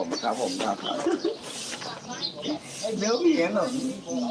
ครับเนื้อผีหนุ่ม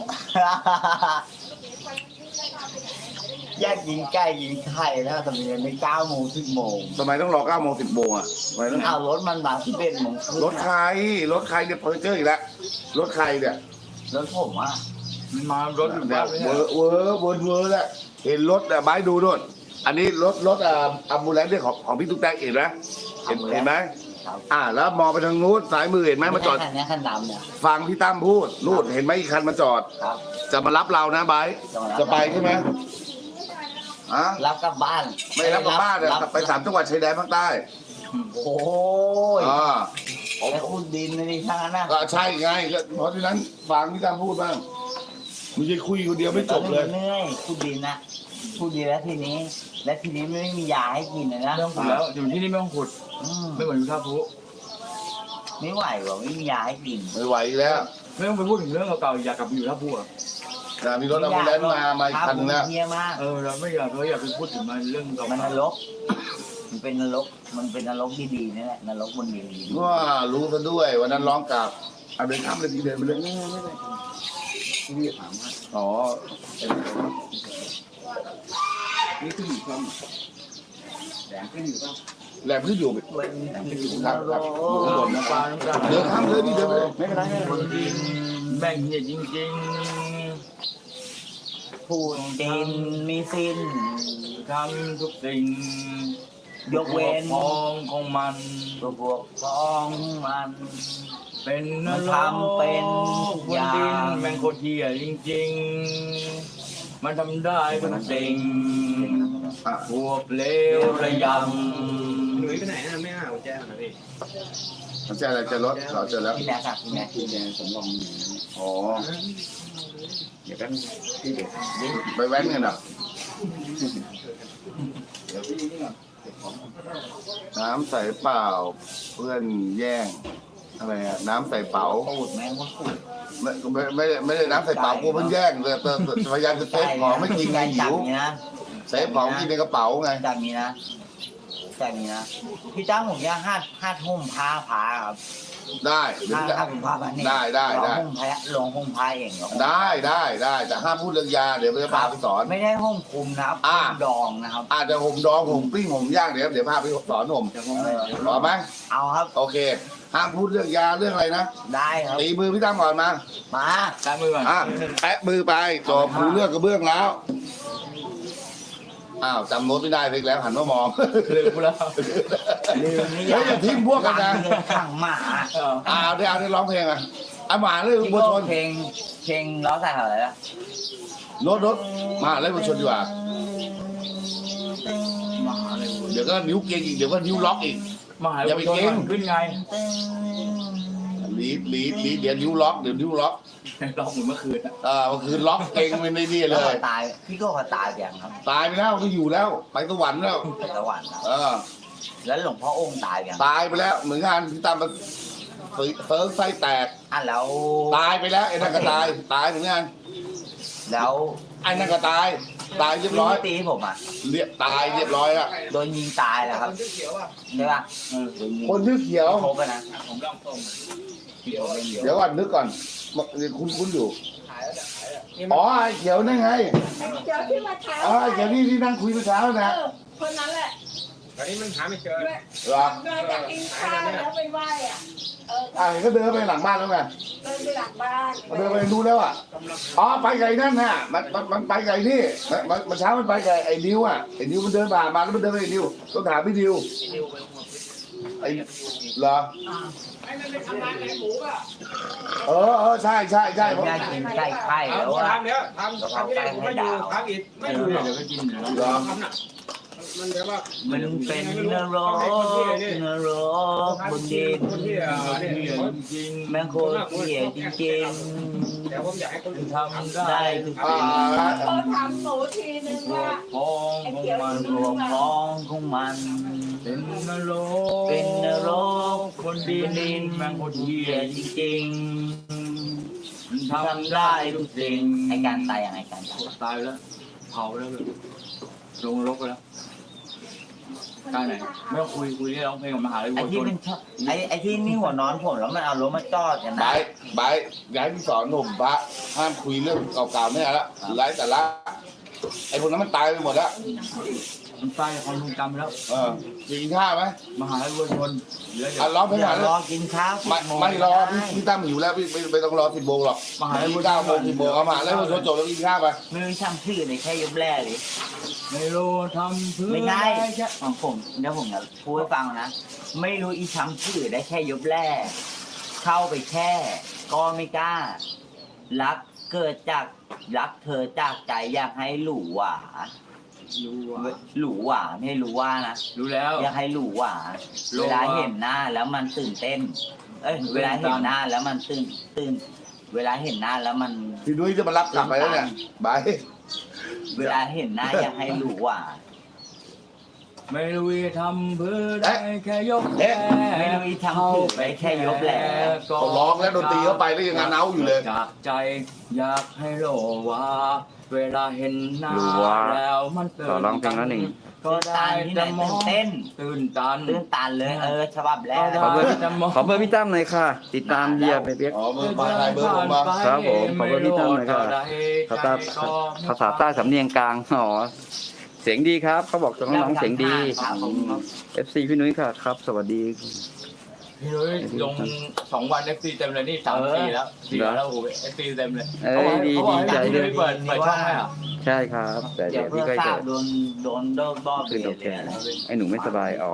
แยกยิงใกล้ยิงไข่แล้วทำไมไม่9 โมง 10 โมงทำไมต้องรอ9 โมง 10 โมงอ่ะทำไมต้องเอารถมันมา11 โมงรถใครเนี่ยเพอร์เจอร์อีกแล้วรถใครเนี่ยรถผมอ่ะมันมารถอยู่เนี่บ้าย นไม่เวใช่อร์แหละเห็นรถอ่ะไม้ดูนู่นอันนี้รถอัมบูแลนซ์เนี่ยของพี่ตุ๊กแตกเห็นไหมเห็นไหมแล้วมองไปทางนู้นซ้ายมือเห็นไหมมาจอดคันนี้คันดำเนี่ยฟังพี่ตั้มพูดนู่นเห็นไหมอีกคันมาจอดครับจะมารับเรานะไบร์ทจะไปใช่ไหมอะรับกลับบ้านไม่รับกลับบ้านเลยไป3 จังหวัดชายแดนภาคใต้โอ้ยอ่าไอ้คุณดินนี่ทางนั้นนะก็ใช่ไงก็เพราะฉะนั้นฟังพี่ตั้มพูดบ้างไม่ใช่คุยคนเดียวไม่จบเลยเหนื่อยคุณดินนะคุณดินแล้วทีนี้ไม่มียาให้กินเลยนะไม่ต้องขุดแล้วอยู่ที่นี่ไม่ต้องขุด ไม่เหมือนอยู่ท่าพลุไม่ไหวหรอกไม่มียาให้กินไม่ไหวอีกแล้วไม่ต้องไปพูดถึงเรื่องเก่าๆอยากกลับไปอยู่ท่าพลุอ่ะแต่มีรถอัมบูแลนซ์มาอีกคันนึงแล้วเฮียมากเราไม่อยากไปพูดถึงมันเรื่องเก่ามันนรก มันเป็นนรก มันเป็นนรกดีๆนี่แหละนรกบนดินดีว่ารู้ซะด้วยวันนั้นร้องกับเอาเดินข้ามเลยทีเดินไปเลยพี่ถามว่าอ๋อนี่ขึ้นอยู่ความแดงขึ้นอยู่ป่ะแหลมขึ้นอยู่เป็นนครับรครับกข้างบนนะปลาน้ำตาเดินข้ามเลยนี่เดินไปเลยไม่เป็นไรคนดินแบ่งเหี้ยจริงพูดดินมีสิ้นๆทำทุกสิ่งยกเว้นพองของมันตัวพวกพ้องมันเป็นนมันรกทำเป็นทุกคอน ย่าดินงแม่งโคตรเหี้ยจริงๆมันทำได้ทุกสิ่งอ่ะพวกเลวระยหนุ่ยไปไหนนะไม่หากุญแจนะพี่มันจะอะไรจะรถเราเจอแล้วพี่แม่ครับพี่แม่กุญแจสำรองอ๋อเดี๋ยวแป๊บนึงพี่เด็กไปแว้นกันเหรอเดี๋ยวพี่นี่ก่อนเก็บของน้ำใส่เปล่าเพื่อนแย่งอะไรอะน้ำใส่เป๋าพูดแม่งว่าพูดไม่ได้น้ำใส่เป๋ากูเพิ่งแย่งเลยพยายามจะเซฟของไม่กินไงหิจากวนี้นะเซฟของกินในกระเป๋าไงจากนี้นะพี่จ้างผมจะห้าทุ่มพาครับได้เดี๋ยวห้าจะทุ่มพาแบบนี้ได้ลงห้องพาเองเหรอได้แต่ห้ามพูดเรื่องยาเดี๋ยวจะพาไปสอนไม่ได้ห้องคุมนะครับอ่าห้องดองนะครับอาจจะห่มดองห่มปิ้งห่มย่างเดี๋ยวพาไปสอนห่มำจะมองต่อไหมเอาครับโอเค ห้ามพูดเรื่องยาเรื่องอะไรนะได้ครับตีมือพี่ตั้มก่อนมามาการมือก่อนแปะมือไปจบรู้เรื่องกระเบื้องแล้วอ้าวจำโน้ตไม่ได้เลยแล้วหันมามองลืมแล้วลืมนี่เฮ้ยอย่าทิ้งพวกกันนะขังหมาได้ร้องเพลงอ่ะหมาเลยที่บัวชนเพลงล้อใส่อะไรละรถมาเล่นบัวชนดีกว่ามหาอะไรเดี๋ยวก็นิ้วเกงอีกเดี๋ยวก็นิ้วล็อกอีกมหาอะไรขึ้นไงลีดเดี๋ยวนิ้วล็อกเดี๋ยวนิ้วล็อกร้องเหมือนเมื่อคืนเมื่อคืนล็อกเกงไม่ได้นี่เลยตายพี่ก็ตายอย่างครับตายไปแล้วก็อยู่แล้วไปสวรรค์แล้วไปสวรรค์นะ แล้วหลวงพ่อองค์ตายอย่างตายไปแล้วเหมือนงานที่ตามมาเซิร์ฟไส้แตกแล้วตายไปแล้วไอ้นั่นก็ตายเหมือนกันแล้วไอ้นั่นก็ตายเรียบร้อยตีผมอ่ะตายเรียบร้อยแล้วโดนยิงตายแล้วครับใช่ป่ะโดนยิงคนชื่อเขียวครบนะผมลองส่งเดี๋ยวก่อนนึกก่อนคุ้นอยู่อ๋อไอ้เขียวนั่นไงเดี๋ยวที่มาเช้าอ๋อไอ้เขียวที่นั่งคุยเมื่อเช้านะคนนั้นแหละตอนนี้มันหาไม่เจอเหรอเดินจากกินข้าวแล้วไปไหว้อ่ะก็เดินไปหลังบ้านแล้วไงเดินไปหลังบ้านเดินไปดูแล้วอ่ะอ๋อไปไก่นั่นน่ะมันไปไก่นี่มันเช้ามันไปไก่ไอ้ดิวอ่ะไอ้ดิวมันเดินผ่านมาแล้วมันเดินไปไอ้ดิวต้องถามพี่ดิวไอ้เหรอไอ้นั่นไปทำร้านไหนหมูป่ะใช่อยากกินไก่ไข่แล้วอ่ะทำแล้วทำที่แรกผมไม่อยู่ทำอีกไม่อยู่เดี๋ยวก็กินเหรอทำน่ะมันแบบว่ามันเป็นนรกบนดินคนที่เนี่ยจริงแม่งโคตรเหี้ยจริงแต่ผมอยากให้คนอื่นทำๆได้ได้ทุกสิ่งเขาทำหนูทีนึงว่าพองของมันรวมพ้องของมันเป็นนรกเป็นนรกคนดินแม่งโคตรเหี้ยจริงมันๆทำได้ทุกสิ่งไอการตายอย่างไอการตายตายไปแล้วเผาไปแล้วลงนรกไปแล้วการไหนไม่ต้องคุยที่ร้องเพลงกับมหาลัยไอ้วัวชที่นเป็นชอบไอ้ที่นี่หัวนอนผมแล้วมันเอารถมาจอดกันบานะยบายย้ายที่สอนหนุ่มพระห้ามคุยเรื่องเก่าๆไม่เอาละไร้แต่ละไอ้พวกนั้นมันตายไปหมดแล้วมันใต้ความทรงจำแล้วกินข้าวไหมมหาลัยวัวชนเหลืออ่ะรอไปเดี๋ยหาวรอกินข้าวไม่รอพี่ตั้มหิวแล้วพี่ต้องรอ10 โมงหรอกมหาลัยวัวช 9 โมงน 10 โมงเอามาแล้วพอจบแล้วกินข้าวไปมือช่างชื่อในแค่ยบแร่เลยไม่รู้ทำเพื่อไม่ใช่ด้แค่ของผมเดี๋ยวผมจะพูดให้ฟังนะ ไม่รู้อีช้ำชื่อได้แค่ยบแร่เข้าไปแค่ก็ไม่กล้า รักเกิดจากรักเธอจากใจอยากให้หลูหวารู้ว่าหลูหวาไม่ให้รู้ว่านะรู้แล้วอยากให้หลูหวารู้เวว่าลาเห็นหน้าแล้วมันตื่นเต้น เวลาเห็นหน้าแล้วมันตื่น เวลาเห็นหน้าแล้วมันพี่นุ้ยจะมารับกลับไปแล้วเนี่ยบายเวลาเห็นหน้าอยากให้หลูหวาไม่รู้จะทำเพื่อได้แค่ยกแไม่รู้อีทำถูกไปแค่ยกแหละเขาร้องแล้วดนตรีเข้าไปแล้วยังงานเอาอยู่เลยจากใจอยากให้โลว่า เวลาเห็นหน้ารู้ว่าแล้วมันตื่นต่อร้องเพลงละหนึ่งก็ตานที่ไหนตื่นเต้นตื่นตันตื่นตันเลยฉบับแรกขอเบอร์ขอเบอร์พี่ตั้มหน่อยค่ะ ติดตามเฮียไปเปียกอ๋อเบอร์มาใครเบอร์ผมมาครับผมขอเบอร์พี่ตั้มหน่อยครับ ภาษาใต้สำเนียงกลางอ๋อเสียงดีครับเขาบอกน้องๆเสียงดี FC พี่นุ้ยค่ะครับ สวัสดีพี่นุ้ยลง2 วัน FC เต็มเลยนี่3-4แล้ว4แล้วโอ้โห FC เต็มเลยเอ้ยดีเขาบอกให้ดีใจพี่ด้นุ้วยยเปิดช่องให้อ่ะใช่ครับ แต่เดี๋เดี๋ยยว วเพื่พี่อก็ทราจะบโดนบอบขึ้นโอเคไอ้หนูไม่สบายอ๋อ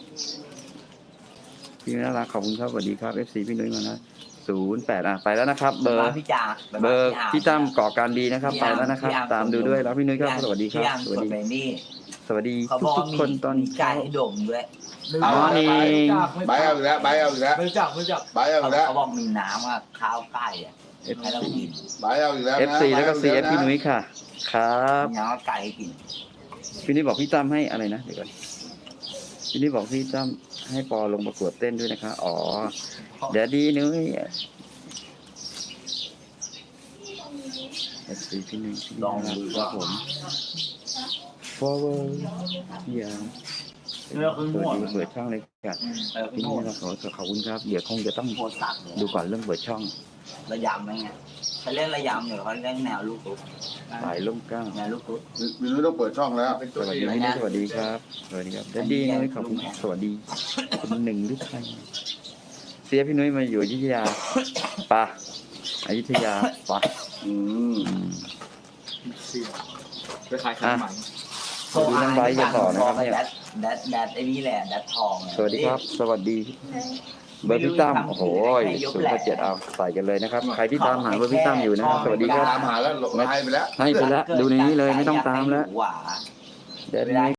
พี่น่ารักขอบคุณครับสวัสดีครับ FC พี่นุ้ยมานะ08ไปแล้วนะครับ เบอร์พี่จ่าเบอร์พี่ตั้มก่อการดีนะครับไปแล้วนะครับ ตามดูด้วยแล้วพี่นุ้ยครับสวัสดีครับสวัสดีไปนี่สวัสดีเขาบอกทุกๆคนตอนมีไก่เช้าให้ดมด้วยเอานี่บายเอาอีกแล้วบายเอาอีกแล้วไม่จับบายเอาอีกแล้วเขาบอกมีน้ำข้าวไก่ให้เรากินบายเอาอีกแล้วนะ FC แล้วก็ CF พี่นุ้ยค่ะ ครับมีน้ำไก่กินพี่นุ้ยบอกพี่ตั้มให้อะไรนะเดี๋ยวก่อนพี่นุ้ยบอกพี่ตั้มให้ปอลงประกวดเต้นด้วยนะคะอ๋อเดี๋ยวดีนุ้ย FC พี่นุ้ยพี่ลองดูครับผม forward อย่าเนื้อขึ้นหัวเปิดช่องเลยค่ะขึ้พี่นนุ้หัวยเราขอบคุณครับเดี๋ยวคงจะต้องโคตรสัตว์เลยดูก่อนเรื่องเปิดช่องระยำไหมไงเขาเล่นระยำอยู่เขาเล่นแนวลูกตุ๊กสายล่มเกล้าแนวลูกตุ๊กพี่นุ้ยต้องเปิดช่องแล้วสวัสดีพี่นุ้ยสวัสดีครับสวัสดีครับแดดดี้นุ้ยขอบคุณสวัสดีคุณหนึ่งหรือใครเสียพี่นุ้ยมาอยู่อยุธยาปะอยุธยาปะอืมอืมไปขายขนมหมันสวัสดีน้องไบร์ทอย่าต่อนะครับเนี่ยแดดไอ้นี่แหละแดดทองสวัสดีครับ สวัสดี เบอร์พี่ตั้มโอ้โห087เอาใส่กันเลยนะครับ ใครที่ตามหาเบอร์พี่ตั้มอยู่นะครับ สวัสดีครับตามหาแล้วให้ไปแล้วให้ไปแล้วดูในนี้เลยไม่ต้องตามแล้วหวาเดี๋ยวนี้